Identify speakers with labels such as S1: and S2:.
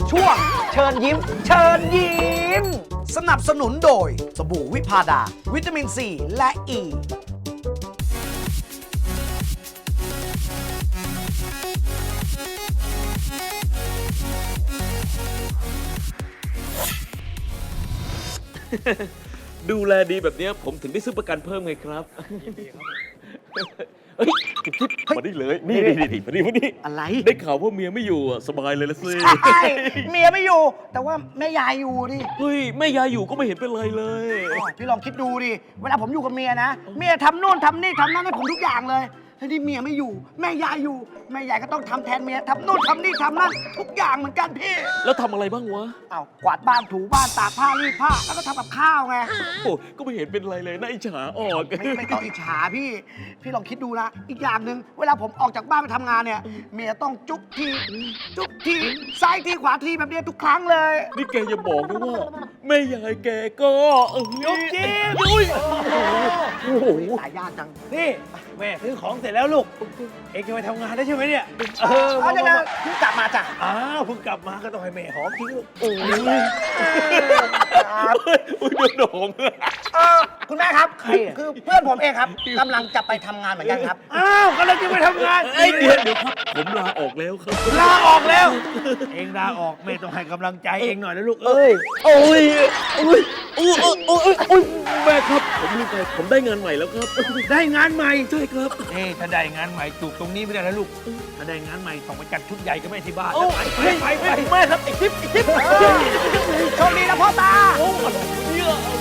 S1: ช่วงเชิญยิ้ม เชิญยิ้ม สนับสนุนโดยสบู่วิพาดา วิตามินซีและอ e. ี
S2: ดูแลดีแบบเนี้ยผมถึงได้ซื้อประกันเพิ่มไงครับเฮ้ยจิ๊บมาได้เลย นี่มาดิ
S1: อะไร
S2: ได้ข่าวว่าเมียไม่อยู่อะสบายเลยละสิ
S1: ใช่เมียไม่อยู่ แต่ว่าแม่ยายอยู่ดิ
S2: เฮ้ยแม่ยายอยู่ก็ไม่เห็นเป็นไรเลย
S1: พี่ลองคิดดูดิ เวลาผมอยู่กับเมียนะ เมียทำโน่นทำนี่ทำนั่นให้ผมทุกอย่างเลยทีนี้เมียไม่อยู่ แม่ยายอยู่ แม่ยายก็ต้องทำแทนเมียทำโน่นทำนี่ทำนั่นทุกอย่างเหมือนกันพี่
S2: แล้วทำอะไรบ้างวะ
S1: เอากวาดบ้านถูบ้านตากผ้ารีดผ้าแล้วก็ทำกับข้าวไง
S2: โอ้ก็ไม่เห็นเป็นไรเลยน่าอิจฉาออก
S1: ไม่ต้องอิจฉาพี่ พี่ลองคิดดูนะ อีกอย่างหนึ่งเวลาผมออกจากบ้านไปทำงานเนี่ย เมียต้องจุ๊บทีซ้ายทีขวาทีแบบเนี้ยทุกครั้งเลย
S2: นี่แกอย่าบอกนะว่าแม่ยายแกก็ยุบจิ๊บอุ้ยโอ้โห
S1: ตายยากจัง
S3: นี่แม่ซื้อของเสร็จแล้วลูก เอ็งจะไปทำงานได้ใช่ไหมเนี่ย
S1: เอาเดี๋ยวนะเพิ่งกลับมาจ้ะ
S3: อ้าวเพิ่งกลับมาก็ต้องให้แม่หอมจริงลูก
S1: ครับ
S2: อุ้ยโดน
S1: คุณแม่ครับ คือเพื่อนผมเองครับกำลังจะไปทำงานเหมือนกันครับ
S3: อ้าวกำลังจะไปทำงาน
S2: ไอ้เดี๋ยวครับผมลาออกแล้วครับ
S3: ลาออกแล้ว เอ็งลาออกแม่ต้องให้กำลังใจเอ็งหน่อยนะลูกเอ้ย
S2: โอ้ยแม่ครับผมลืมไปผมได้งานใหม่แล้วครับ
S3: ได้งานใหม่
S2: ใช่ครับ
S3: นี่ถ้าได้งานใหม่จูบตรงนี้ไม่ได้นะลูก ถ้าได้งานใหม่ต้องไปจัดชุดใหญ่กับแม่ที่บ้าน
S2: โอ้
S3: ไป
S2: แม่ครับไอ้ทิป
S1: โชคดีนะพ่อตา
S2: โอ้อะไรเนี่ย